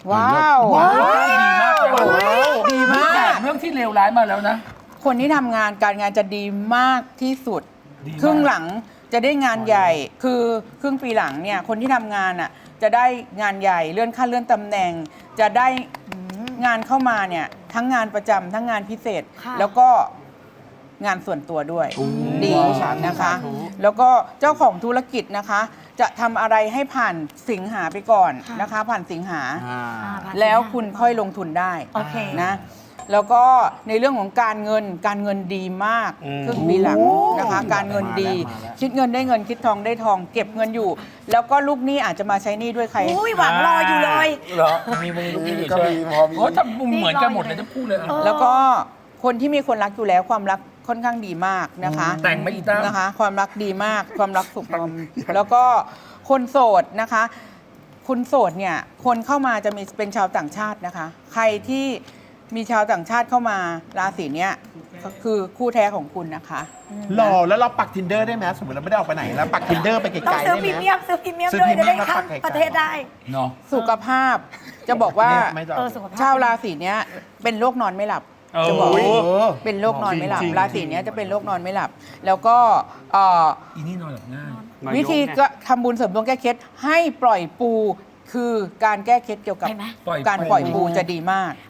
ว้าวดีมากเลยดีมากเรื่องที่เลวร้ายมาแล้วนะคนที่ทำงานการงานจะดีมากที่สุดดีมากครึ่งหลังจะได้งานใหญ่ คือครึ่งปีหลังเนี่ยคนที่ทำงานอ่ะจะได้งานใหญ่เลื่อนขั้นเลื่อนตำแหน่ง จะได้งานเข้ามาเนี่ยทั้งงานประจำทั้งงานพิเศษค่ะแล้วก็งานส่วนตัวด้วยดีสาธุนะคะสาธุแล้วก็เจ้าของธุรกิจนะคะ จะทำอะไรให้ผ่านสิงหาไปก่อนนะคะ ผ่านสิงหา แล้วคุณค่อยลงทุนได้โอเคนะแล้วก็ในเรื่องของการเงินดีมากครึ่งปีหลังนะคะ การเงินดี คิดเงินได้เงินคิดทองได้ทอง เก็บเงินอยู่ แล้วก็ลูกหนี้อาจจะมาใช้หนี้ด้วยใครอุ้ยหวังรออยู่เลยเหรอมีมึงลูกนี่อยู่ก็ใช่ไหมมีพอมีโอ้ทำเหมือนกันหมดเลยทั้งคู่เลยแล้วก็คนที่มีคนรักอยู่แล้วความรักค่อนข้างดีมากนะคะแต่งไม่อีตั้มนะคะ ความรักดีมากความรักสุขแล้วก็คนโสดนะคะคุณโสดเนี่ยคนเข้ามาจะมีเป็นชาวต่างชาตินะคะ ใครที่มีชาวต่างชาติเข้ามาราศีเนี้ยก็คือคู่แท้ของคุณนะคะหล่อแล้วเราปัก tinder ได้ไหมสมมติเราไม่ได้ออกไปไหนแล้วปัก tinder ไปไกลต้องๆซื้ได้อไหพรีมเมียมซื้อพรีเมียมซื้อด้วยพรีจะเมียมได้แล้วข้าปัมกไกลๆประเทศได้เนาะสุขภาพจะบอกว่าไม่ต้องสุขภาพชาวราศีเนี้ยเป็นโรคนอนไม่หลับ จะบอกโอ้ยเป็นโรคนอนไม่หลับจริงๆราศีเนี้ยจะเป็นโรคนอนไม่หลับ แล้วก็อีนี่นอนหลับง่ายวิธีก็ทำบุญเสริมดวงแก้เคล็ดให้ปล่อยปูคือการแก้เคล็ดเกี่ยวกับเห็นไหมการปล่อยปูจะดีมาก